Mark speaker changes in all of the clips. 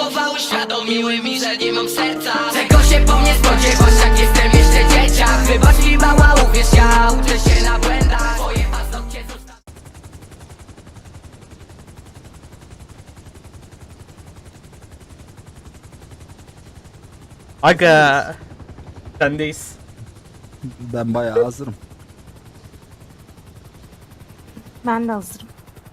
Speaker 1: słowa uświadomiły mi, że nie mam serca. Czego się po mnie spodziewasz, jak jestem jeszcze dzieciak? Wybacz mi mała, uwierz, ja uczę się na błędach. Twoje paznokcie zostały.
Speaker 2: Aga, sendeyiz.
Speaker 3: Ben bayağı hazırım.
Speaker 4: Ben de hazırım.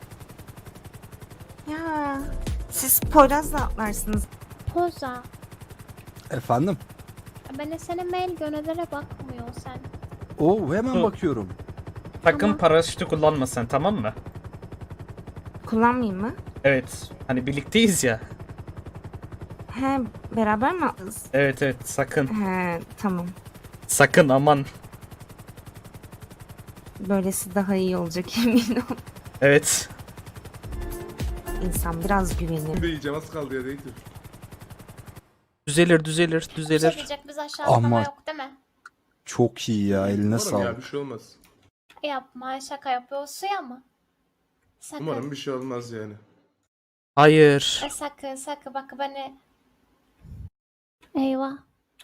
Speaker 4: Ya siz Poyraz'la atlarsınız.
Speaker 5: Poza.
Speaker 3: Efendim?
Speaker 5: Ben de sana mail gönderere bakmıyor sen.
Speaker 3: Oo hemen
Speaker 2: Dur.
Speaker 3: bakıyorum.
Speaker 2: Sakın
Speaker 5: Tamam.
Speaker 2: paraşütü kullanma sen, tamam mı?
Speaker 4: Kullanmayayım mı?
Speaker 2: Evet, hani birlikteyiz ya.
Speaker 4: He, beraber mi atlarız?
Speaker 2: Evet evet, sakın.
Speaker 4: He, tamam.
Speaker 2: Sakın, aman.
Speaker 4: Böylesi daha iyi olacak emin ol.
Speaker 2: Evet.
Speaker 4: İnsan biraz güvenir.
Speaker 6: Diyeceğim az kaldı ya değil.
Speaker 2: Düzelir düzelir
Speaker 5: Bir şey
Speaker 2: düzelir.
Speaker 5: diyecek biz aşağı
Speaker 3: Ama-
Speaker 5: atlama yok değil mi?
Speaker 3: Çok iyi ya, eline
Speaker 6: Umarım ya
Speaker 3: sağlık.
Speaker 6: bir şey olmaz.
Speaker 5: Yapma, şaka yapıyorsun ya mı? Sakın.
Speaker 6: Umarım bir şey olmaz yani.
Speaker 2: Hayır.
Speaker 5: Sakın bak beni. Eyvah.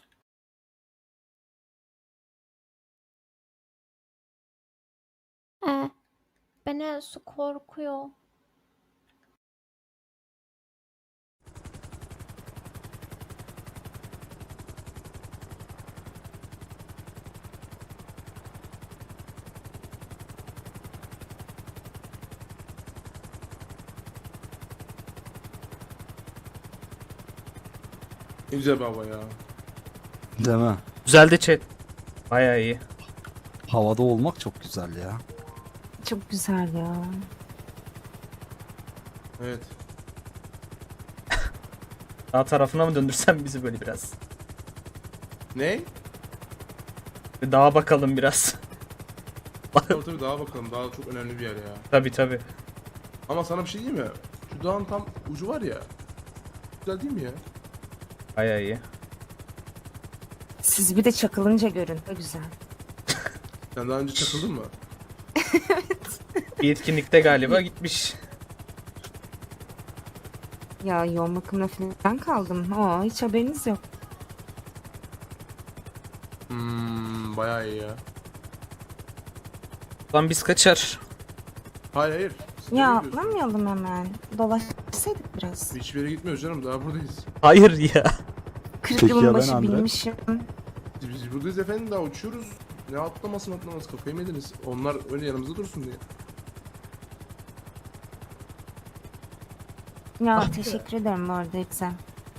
Speaker 5: Beni su korkuyor.
Speaker 6: Güzel bir hava ya.
Speaker 3: Değil mi?
Speaker 2: Güzeldi chat. Bayağı iyi.
Speaker 3: Havada olmak çok güzel ya.
Speaker 4: Çok güzel ya.
Speaker 6: Evet.
Speaker 2: Sağ tarafına mı döndürsen bizi böyle biraz?
Speaker 6: Ne?
Speaker 2: Bir dağa bakalım biraz.
Speaker 6: Tabii daha bakalım. Daha çok önemli bir yer ya.
Speaker 2: Tabi tabi.
Speaker 6: Ama sana bir şey diyeyim mi? Şu dağın tam ucu var ya. Güzel değil mi ya?
Speaker 2: Bayağı iyi.
Speaker 4: Siz bir de çakılınca görün. Ne güzel.
Speaker 6: Sen daha önce çakıldın mı?
Speaker 2: Bir etkinlikte galiba gitmiş.
Speaker 4: Ya yoğun bakımda falan kaldım. Oo, hiç haberiniz yok.
Speaker 6: Bayağı iyi ya.
Speaker 2: Lan biz kaçar.
Speaker 6: Hayır hayır. Siz
Speaker 4: Ya
Speaker 6: nereye gidiyorsunuz?
Speaker 4: atlamayalım hemen. Dolaşsaydık biraz.
Speaker 6: Hiçbir yere gitmiyoruz canım. Daha buradayız.
Speaker 2: Hayır ya.
Speaker 4: 40
Speaker 3: Peki ya
Speaker 4: yılın
Speaker 3: ben
Speaker 4: başı
Speaker 3: Andre?
Speaker 4: bilmişim.
Speaker 6: Biz buradayız efendim. Daha uçuyoruz. Ne atlamasın kafayı mı yediniz? Onlar öyle yanımızda dursun diye.
Speaker 4: Ya teşekkür ederim bu arada güzel.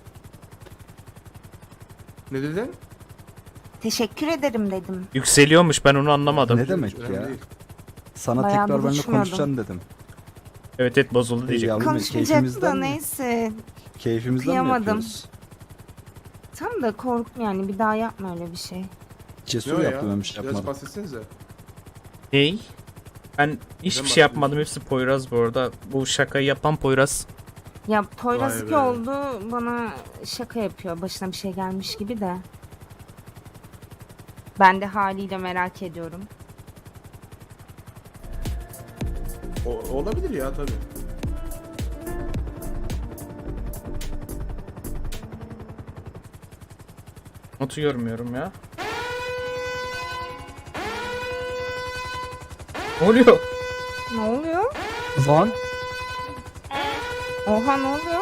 Speaker 6: Ne dedin?
Speaker 4: Teşekkür ederim dedim.
Speaker 2: Yükseliyormuş, ben onu anlamadım.
Speaker 3: Ne demek
Speaker 6: Önemli
Speaker 3: ya?
Speaker 6: değil.
Speaker 3: Sana
Speaker 4: Bayağı
Speaker 3: tekrar benimle
Speaker 4: buluşmuyordum.
Speaker 3: konuşacaksın dedim.
Speaker 2: Evet evet, bozuldu diyecek.
Speaker 3: Yavrum,
Speaker 4: Konuşmayacaktı da
Speaker 3: keyfimizden mi?
Speaker 4: neyse.
Speaker 3: Keyfimizden mi
Speaker 4: Kıyamadım.
Speaker 3: yapıyoruz?
Speaker 4: Tam da korktum yani bir daha yapma öyle bir şey.
Speaker 3: Cesur
Speaker 6: Ne o ya?
Speaker 3: yaptım, ben bir şey
Speaker 6: Biraz
Speaker 3: yapmadım.
Speaker 6: bahsetsenize.
Speaker 2: Ney? Ben hiçbir
Speaker 6: Neden
Speaker 2: şey yapmadım, hepsi Poyraz bu arada. Bu şakayı yapan Poyraz.
Speaker 4: Ya Poyraz
Speaker 6: Vay
Speaker 4: iki
Speaker 6: be.
Speaker 4: oldu bana şaka yapıyor. Başına bir şey gelmiş gibi de. Ben de haliyle merak ediyorum.
Speaker 6: Olabilir ya tabii.
Speaker 2: Notu görmüyorum ya. Ne oluyor?
Speaker 4: Ne oluyor?
Speaker 3: Lan
Speaker 4: Oha ne oluyor?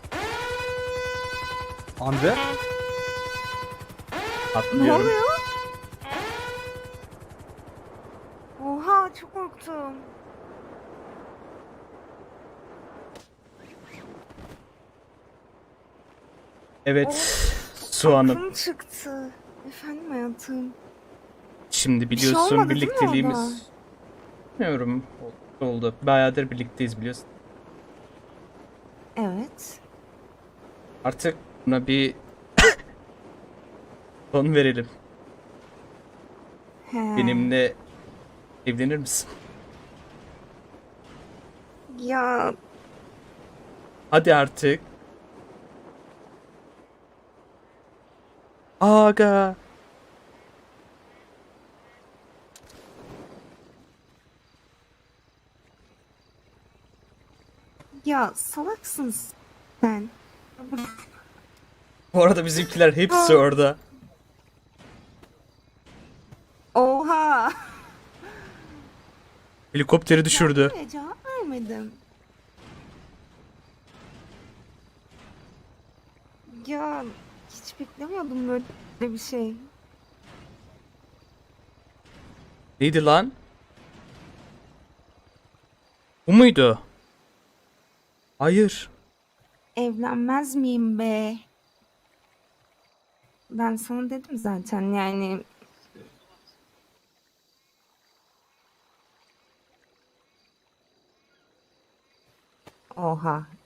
Speaker 3: Andre?
Speaker 4: Ne
Speaker 2: Atlıyorum.
Speaker 4: oluyor? Oha çok korktum.
Speaker 2: Evet. Su Hanım.
Speaker 4: Aklım çıktı. Efendim hayatım.
Speaker 2: Şimdi
Speaker 4: Bir şey
Speaker 2: biliyorsun
Speaker 4: olmadı değil mi orada?
Speaker 2: birlikteliğimiz. Bilmiyorum. Oldu. Bayağıdır birlikteyiz biliyorsun.
Speaker 4: Evet.
Speaker 2: Artık buna bir son verelim.
Speaker 4: He.
Speaker 2: Benimle evlenir misin?
Speaker 4: Ya
Speaker 2: Hadi artık. Aga.
Speaker 4: ya salaksın sen.
Speaker 2: Bu arada bizimkiler hepsi orada.
Speaker 4: Oha.
Speaker 2: Helikopteri düşürdü.
Speaker 4: Ya, cevap vermedim. Ya hiç beklemiyordum böyle bir şey.
Speaker 2: Neydi lan? Bu muydu? Hayır.
Speaker 4: Evlenmez miyim be? Ben sana dedim zaten yani. Oha.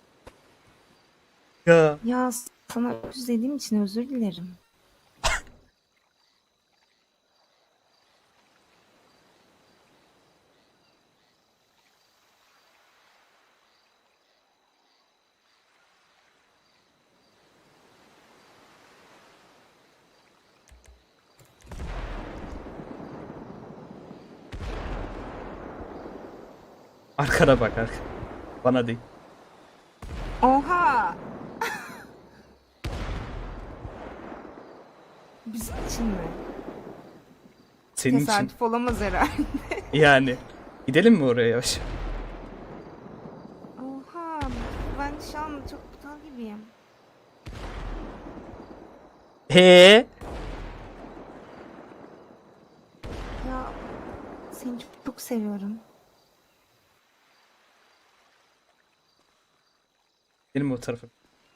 Speaker 2: Ya.
Speaker 4: Ya sana öküz dediğim için özür dilerim.
Speaker 2: Arkana bak arka. Bana değil.
Speaker 4: Oha. Bizim için mi?
Speaker 2: Senin için.
Speaker 4: Tesadüf olamaz herhalde.
Speaker 2: Yani. Gidelim mi oraya yavaş?
Speaker 4: Oha. Ben şu an çok aptal gibiyim.
Speaker 2: He?
Speaker 4: Ya seni çok, çok seviyorum.
Speaker 2: Gidelim mi o tarafa?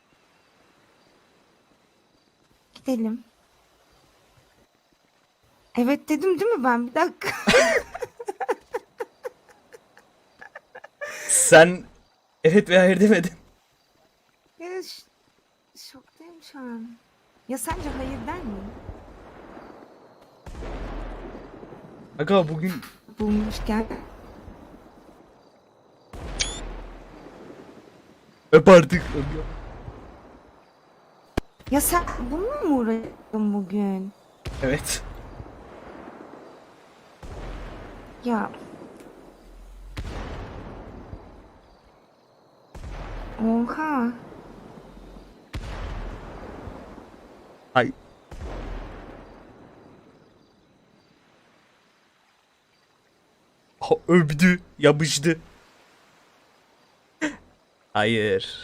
Speaker 4: Gidelim. Evet dedim değil mi ben? Bir dakika.
Speaker 2: Sen evet veya hayır demedin.
Speaker 4: Ya, şoktayım şu an. Ya sence hayır der miyim?
Speaker 2: Aga bugün
Speaker 4: Bulmuşken.
Speaker 2: öp artık.
Speaker 4: Ya sen bununla mı uğraştın bugün?
Speaker 2: Evet.
Speaker 4: Ya. Oha.
Speaker 2: Ay. Öptü, yapıştı. Hayır.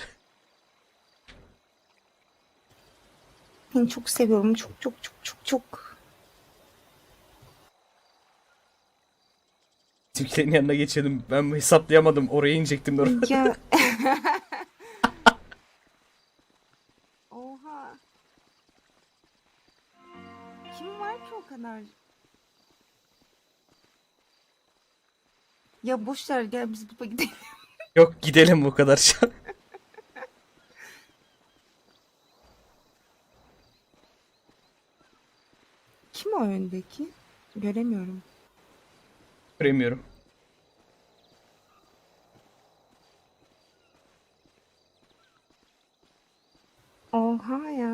Speaker 4: Seni çok seviyorum. Çok çok çok çok çok.
Speaker 2: Türkiye'nin yanına geçelim. Ben hesaplayamadım. Oraya inecektim. Oraya.
Speaker 4: Ya. Oha. Kim var ki o kadar? Ya boş ver gel biz baba gidelim.
Speaker 2: Yok gidelim bu kadar şu an.
Speaker 4: Kim o öndeki? Göremiyorum.
Speaker 2: Göremiyorum.
Speaker 4: Oha ya.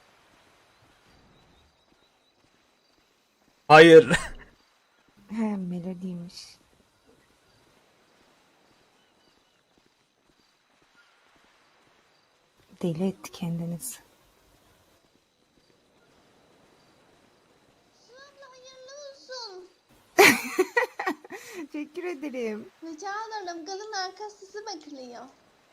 Speaker 2: Hayır.
Speaker 4: He melodiymiş. Deli etti kendinizi.
Speaker 7: Abla hayırlı olsun.
Speaker 4: Teşekkür ederim.
Speaker 7: Rica ederim. Kadın arkası bekliyor.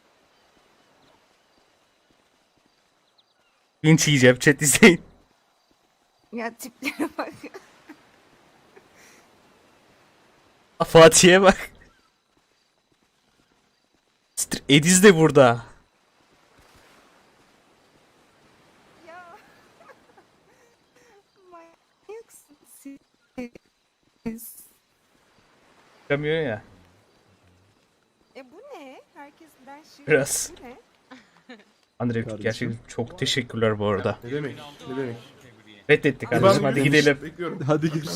Speaker 2: Linç yiyeceğim. Chat izleyin.
Speaker 4: Ya tiplere bak.
Speaker 2: Fatih'e bak. Ediz de burada.
Speaker 4: Ya. Manyaksın siz.
Speaker 2: Çıkamıyor ya.
Speaker 4: Bu ne? Herkesten şey.
Speaker 2: Biraz.
Speaker 4: Bu ne?
Speaker 2: Andre
Speaker 3: Kardeşim.
Speaker 2: gerçekten çok teşekkürler bu arada.
Speaker 6: Ne demek? Ne demek?
Speaker 2: Reddettik kardeşim, hadi gidelim.
Speaker 6: Bekliyorum.
Speaker 3: Hadi görüşürüz.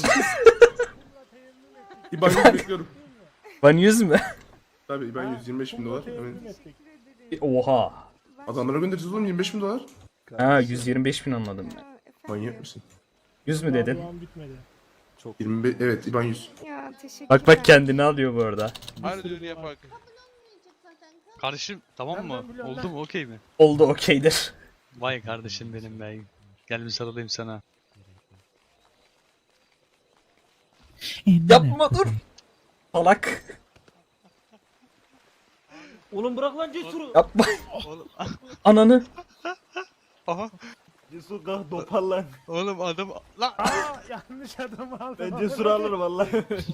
Speaker 6: İban 100 bekliyorum.
Speaker 2: Van 100 mü?
Speaker 6: Tabii İban 125 bin dolar. Evet.
Speaker 2: Oha.
Speaker 6: Adamlara göndereceğiz oğlum 25 bin dolar.
Speaker 2: Ha 125 bin anladım ben.
Speaker 4: Ya,
Speaker 6: Manyak mısın?
Speaker 2: 100 mü dedin?
Speaker 6: 25 evet İban 100.
Speaker 4: Ya teşekkürler.
Speaker 2: Bak bak kendini alıyor bu arada.
Speaker 8: Hadi düğünü yapak.
Speaker 7: Kabul olmayacak zaten.
Speaker 8: Kardeşim tamam mı? Oldu mu? Okey mi?
Speaker 2: Oldu okeydir.
Speaker 8: Vay kardeşim benim be. Gel bir sarılayım sana.
Speaker 2: Yapma dur. Salak.
Speaker 9: Oğlum bırak lan Cesur'u.
Speaker 2: Yapma.
Speaker 8: Oğlum.
Speaker 2: Ananı.
Speaker 8: Aha.
Speaker 9: Cesur kalk dopar lan.
Speaker 8: Oğlum adam. Lan.
Speaker 9: Yanlış adamı aldım. Ben Cesur'u alırım valla.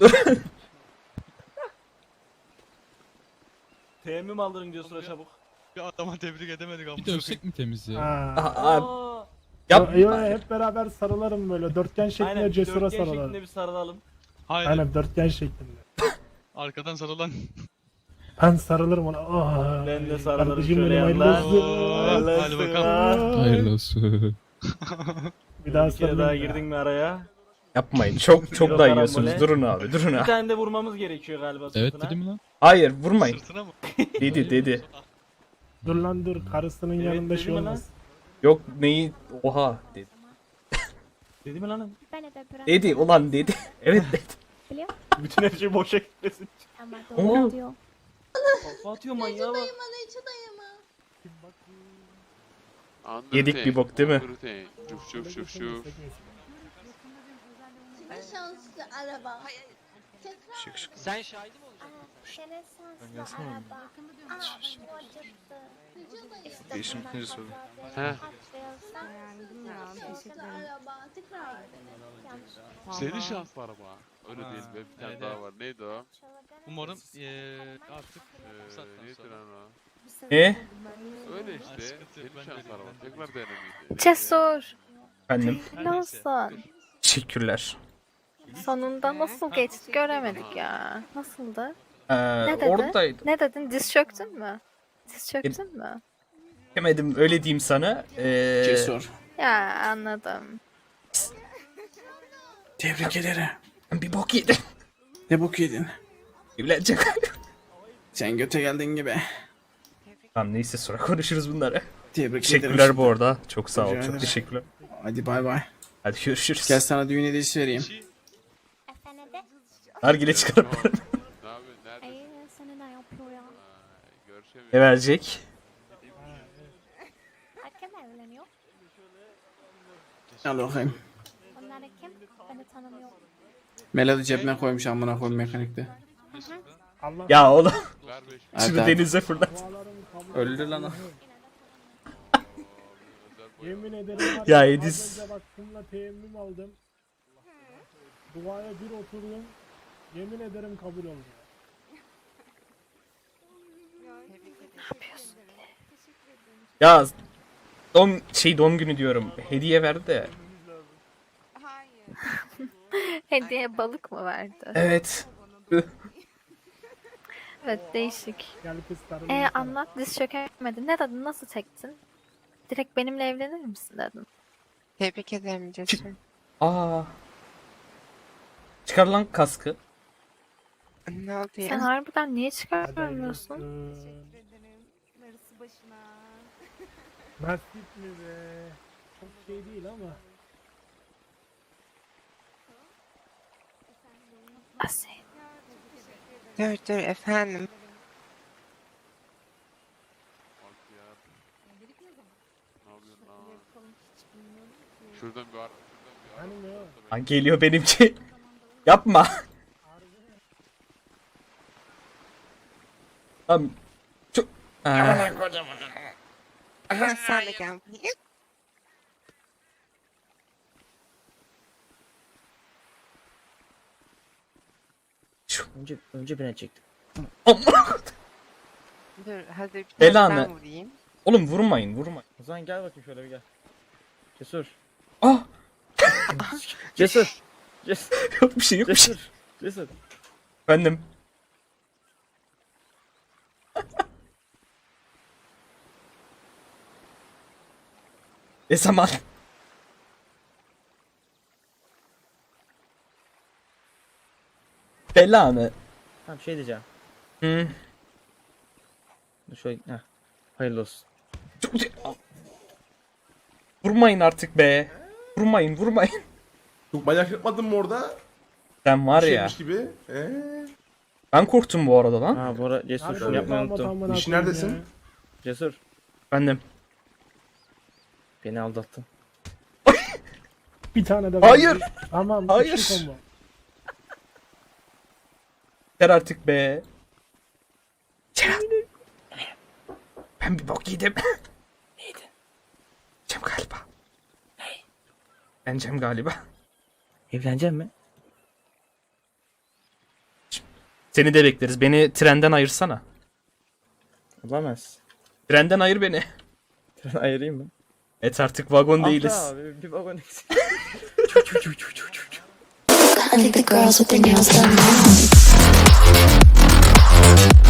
Speaker 9: Teyemmüm aldırın Cesur'a çabuk.
Speaker 8: Bir adama tebrik edemedik ama.
Speaker 10: Bir dövsek mi temiz ya?
Speaker 2: Aa, Yapma.
Speaker 11: Hep beraber sarılarım böyle dörtgen şeklinde
Speaker 9: Aynen
Speaker 11: Cesur'a
Speaker 9: dörtgen
Speaker 11: sarılalım.
Speaker 9: şeklinde bir sarılalım.
Speaker 8: Hayır.
Speaker 11: Aynen dörtgen şeklinde.
Speaker 8: Arkadan sarılan.
Speaker 11: Ben sarılırım ona. Oh,
Speaker 9: Ben de sarılırım
Speaker 11: kardeşim
Speaker 9: şöyle
Speaker 11: benim, hayırlı
Speaker 9: yandan.
Speaker 11: olsun.
Speaker 8: Hadi bakalım.
Speaker 10: Hayırlı olsun.
Speaker 11: Bir daha
Speaker 9: Bir kere daha
Speaker 11: sarılayım.
Speaker 9: girdin mi araya?
Speaker 2: Yapmayın. Çok
Speaker 9: Euro
Speaker 2: da
Speaker 9: karambole.
Speaker 2: yiyorsunuz. Durun abi. Durun
Speaker 9: Bir
Speaker 2: abi.
Speaker 9: tane de vurmamız gerekiyor galiba
Speaker 10: Evet
Speaker 9: sırtına.
Speaker 10: dedi mi lan?
Speaker 2: Hayır vurmayın.
Speaker 8: Sırtına mı?
Speaker 2: Dedi.
Speaker 11: Dur lan dur. Karısının
Speaker 9: Evet,
Speaker 11: yanında
Speaker 9: dedi
Speaker 11: şey
Speaker 9: mi lan?
Speaker 11: olmaz.
Speaker 2: Yok neyi? Oha dedi.
Speaker 9: Dedi mi lan?
Speaker 2: Dedi ulan dedi. Evet dedi.
Speaker 9: Bütün her şey boşa gitmesin.
Speaker 5: Ama
Speaker 2: Oo.
Speaker 5: doğru diyor.
Speaker 9: Kafa atıyor manyağa bak.
Speaker 7: Dayıma Necı dayıma.
Speaker 2: Yedik bir bok değil mi?
Speaker 7: Ne şanslı araba. Tekrar
Speaker 1: Sen şahidi mi olacaksın?
Speaker 5: Şenesanslı araba. Aa bu acıttı.
Speaker 7: Necı dayı.
Speaker 5: İşte
Speaker 2: Değişim
Speaker 5: bundan
Speaker 2: ikinci soru.
Speaker 5: kaza
Speaker 1: He.
Speaker 5: kaçırıyorsan
Speaker 4: Beğendim ya.
Speaker 7: Şanslı
Speaker 4: Teşekkür ederim.
Speaker 7: araba. Tekrar.
Speaker 5: yanlış.
Speaker 12: Senin şanslı araba. Öyle
Speaker 8: Ha,
Speaker 12: değil be. Bir tane
Speaker 8: evet,
Speaker 12: daha
Speaker 8: evet.
Speaker 12: var. Neydi o?
Speaker 8: Umarım artık bu saatten
Speaker 12: Neydi
Speaker 8: sonra.
Speaker 12: lan o?
Speaker 2: Ne?
Speaker 12: Öyle
Speaker 8: Ha,
Speaker 12: işte.
Speaker 8: sıkıntı yok,
Speaker 12: Senin
Speaker 8: ben de
Speaker 12: şanslı araba.
Speaker 8: öyleyim.
Speaker 12: Tekrar denemeydi.
Speaker 5: Cesur.
Speaker 2: Efendim.
Speaker 8: Her neyse.
Speaker 5: Nasılsın?
Speaker 2: Teşekkürler.
Speaker 5: Sonunda nasıl geçti göremedik ya. Nasıldı?
Speaker 2: Ee,
Speaker 5: dedi?
Speaker 2: oradaydım.
Speaker 5: Ne dedin? Diz çöktün mü? Diz çöktün mü?
Speaker 2: Demedim öyle diyeyim sana.
Speaker 5: Ya anladım.
Speaker 3: Tebrik ederim.
Speaker 2: Bir bok yedim.
Speaker 3: Ne bok yedin?
Speaker 2: Evlenecek.
Speaker 3: Sen göte geldin gibi.
Speaker 2: Tamam neyse sonra konuşuruz bunları.
Speaker 3: Tebrik
Speaker 2: Teşekkürler bu arada. Çok sağ ol.
Speaker 3: Rica
Speaker 2: Çok
Speaker 3: ederim.
Speaker 2: teşekkürler.
Speaker 3: Hadi bay bay.
Speaker 2: Hadi görüşürüz.
Speaker 3: Gel sana düğün hediyesi vereyim.
Speaker 5: Efendim?
Speaker 2: Nargile çıkarıp
Speaker 12: Ne yapıyorsun? Neredesin?
Speaker 5: Ay seni ne yapıyor ya?
Speaker 12: Görüşemiyorum.
Speaker 2: ne verecek?
Speaker 5: Kim evleniyor?
Speaker 3: Al bakayım.
Speaker 5: Onlar kim? Beni tanımıyor.
Speaker 3: Melody cebine koymuş amına koyayım mekanikte.
Speaker 11: Allah
Speaker 2: Ya oğlum
Speaker 12: Ver 5
Speaker 2: şunu
Speaker 3: Hadi.
Speaker 2: denize fırlat.
Speaker 3: Öldü lan o.
Speaker 11: yemin ederim. var
Speaker 2: Ya
Speaker 11: az
Speaker 2: Ediz.
Speaker 11: önce bak kumla teyemmüm aldım. Duaya bir oturdum. Yemin ederim kabul oldu.
Speaker 2: Ya doğum günü diyorum. Hediye verdi de.
Speaker 4: Hayır.
Speaker 5: Hediye balık mı verdi?
Speaker 2: Evet.
Speaker 5: Evet değişik.
Speaker 11: Gel kız sarılayım sana.
Speaker 5: Anlat diz çökemedin. Ne dedin? Nasıl çektin? Direkt benimle evlenir misin dedin.
Speaker 4: Tebrik ederim Cesur.
Speaker 2: Aa. Çıkar lan kaskı.
Speaker 4: Ne oldu
Speaker 5: Sen harbiden niye çıkarmıyorsun?
Speaker 4: Teşekkür ederim. Darısı başına.
Speaker 11: Nasip mi be? Çok şey değil ama.
Speaker 5: Asil.
Speaker 4: Dur efendim.
Speaker 12: Ne yapıyorsun lan? Şuradan bir ara.
Speaker 11: Hani ne o?
Speaker 2: Ha, geliyor benimki. Yapma. Tamam. Çok... Aa,
Speaker 4: Sen de gel.
Speaker 9: Önce ben çektim.
Speaker 2: Amma.
Speaker 4: Dur hazır bir
Speaker 2: Belanı.
Speaker 4: tane ben vurayım.
Speaker 2: Oğlum vurmayın.
Speaker 9: O zaman gel bakayım şöyle bir gel. Cesur.
Speaker 2: Ah.
Speaker 9: Cesur. Cesur.
Speaker 2: Yok bir şey yok bir şey.
Speaker 9: Cesur. Cesur.
Speaker 2: Efendim. Ne zaman? Belanı.
Speaker 9: Tamam şey diyeceğim.
Speaker 2: Hı.
Speaker 9: Dur şöyle. Heh. Hayırlı olsun.
Speaker 2: Vurmayın artık be. Vurmayın.
Speaker 6: Çok manyak yapmadın mı orada?
Speaker 2: Sen var ya.
Speaker 6: Şeymiş gibi.
Speaker 2: Ben korktum bu arada lan.
Speaker 9: Ha bu ara Cesur
Speaker 11: Harbi
Speaker 9: şunu yapmayı
Speaker 11: damat
Speaker 9: unuttum.
Speaker 11: amına
Speaker 6: İşi
Speaker 11: koyayım
Speaker 6: neredesin?
Speaker 11: ya.
Speaker 9: Cesur
Speaker 2: Bendim.
Speaker 9: beni aldattın.
Speaker 11: Bir tane de
Speaker 2: Hayır.
Speaker 11: verdim. Tamam.
Speaker 2: Hayır.
Speaker 11: üçlü combo.
Speaker 2: Yeter artık be. Cem. Ben bir bok yedim. Neydi? Cem galiba. Ney? Ben Cem galiba.
Speaker 9: Evlenecek mi?
Speaker 2: Seni de bekleriz. Beni trenden ayırsana.
Speaker 9: Olamaz.
Speaker 2: Trenden ayır beni.
Speaker 9: Ayırayım mı?
Speaker 2: Et artık vagon
Speaker 9: Ah be
Speaker 2: değiliz.
Speaker 9: abi bir vagon eksik.
Speaker 7: I think the girls with their nails done now.